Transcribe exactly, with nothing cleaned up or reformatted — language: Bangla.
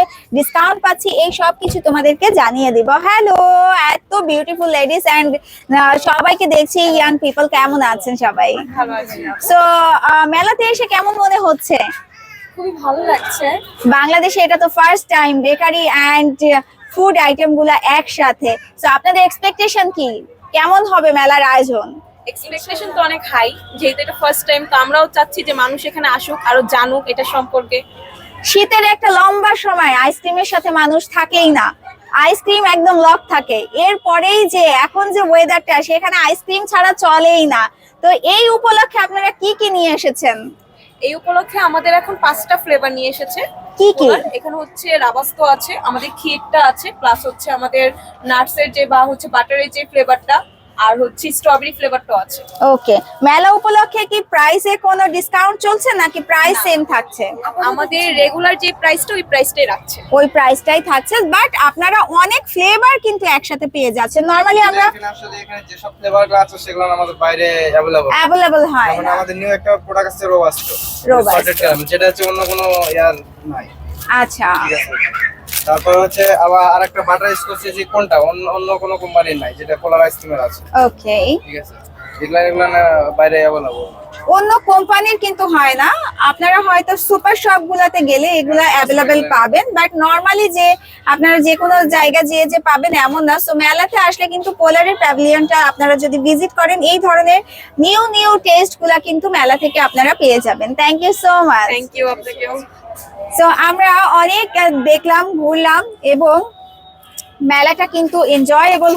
ডিসকাউন্ট পাচ্ছি, এই সব কিছু তোমাদেরকে জানিয়ে দিব। হ্যালো, এত বিউটিফুল লেডিস এন্ড সবাইকে দেখছি ইয়াং পিপল, কেমন আছেন সবাই? ভালো আছি। সো মেলাতে এসে কেমন মনে হচ্ছে? খুবই ভালো লাগছে। বাংলাদেশে এটা তো first time bakery and food item গুলা একসাথে। সো আপনাদের এক্সপেকটেশন কি, কেমন হবে মেলার আয়োজন? এক্সপেকটেশন তো অনেক হাই, যেহেতু এটা ফার্স্ট টাইম, তো আমরাও চাচ্ছি যে মানুষ এখানে আসুক, আরো জানুক এটা সম্পর্কে। শীতের একটা লম্বা সময় আইসক্রিমের সাথে মানুষ থাকেই না, আইসক্রিম একদম লক থাকে। এরপরেই যে এখন যে ওয়েদারটা, সেখানে আইসক্রিম ছাড়া চলেই না। তো এই উপলক্ষে আপনারা কি কি নিয়ে এসেছেন? এই উপলক্ষে আমাদের এখন পাঁচটা ফ্লেভার নিয়ে এসেছে। কি কি? ওনার এখানে হচ্ছে রাবাস্তো আছে, আমাদের ক্ষীরটা আছে, প্লাস হচ্ছে আমাদের নাটসের যে বা হচ্ছে বাটারের যে ফ্লেভারটা, আর হচ্ছে স্ট্রবেরি ফ্লেভারটাও আছে। ওকে, মেলা উপলক্ষে কি প্রাইসে কোনো ডিসকাউন্ট চলছে নাকি প্রাইস সেম থাকছে? আমাদের রেগুলার যে প্রাইসটা ওই প্রাইসটাই রাখছে। ওই প্রাইসটাই থাকছে, বাট আপনারা অনেক ফ্লেভার কিন্তু একসাথে পেয়ে যাচ্ছেন। নরমালি আমরা আসলে এখানে যে সব ফ্লেভারগুলো আছে সেগুলো আমাদের বাইরে अवेलेबल অ্যাভেলেবল হয় যেমন না। আমাদের নিউ একটা প্রোডাক্ট আছে রোবাস্টো। Robusto। সল্টেড ক্যারামেল, যেটা হচ্ছে অন্য কোনো ইয়ার নাই। আচ্ছা, ঠিক আছে। তারপর হচ্ছে আবার আরেকটা বাটার স্কচ, যে কোনটা অন্য অন্য কোনো কোম্পানির নাই, যেটা পোলার আইসক্রিমের আছে। ওকে। ঠিক আছে, এগুলা এগুলা না বাইরে অ্যাভেলেবল। অন্য কোম্পানির কিন্তু হয় না, আপনারা হয়তো সুপার শপ গুলাতে গেলে এগুলা অ্যাভেলেবেল পাবেন, বাট নরমালি যে আপনারা যে কোনো জায়গা যেয়ে যে পাবেন এমন না। সো মেলাতে আসলে কিন্তু পোলারের প্যাভিলিয়নটা আপনারা যদি ভিজিট করেন, এই ধরনের নিউ নিউ টেস্ট গুলা কিন্তু মেলা থেকে আপনারা পেয়ে যাবেন। Thank you so much. Thank you আপনাকেও। সো আমরা অনেক দেখলাম, ঘুরলাম এবং মেলাটা কিন্তু এনজয়েবল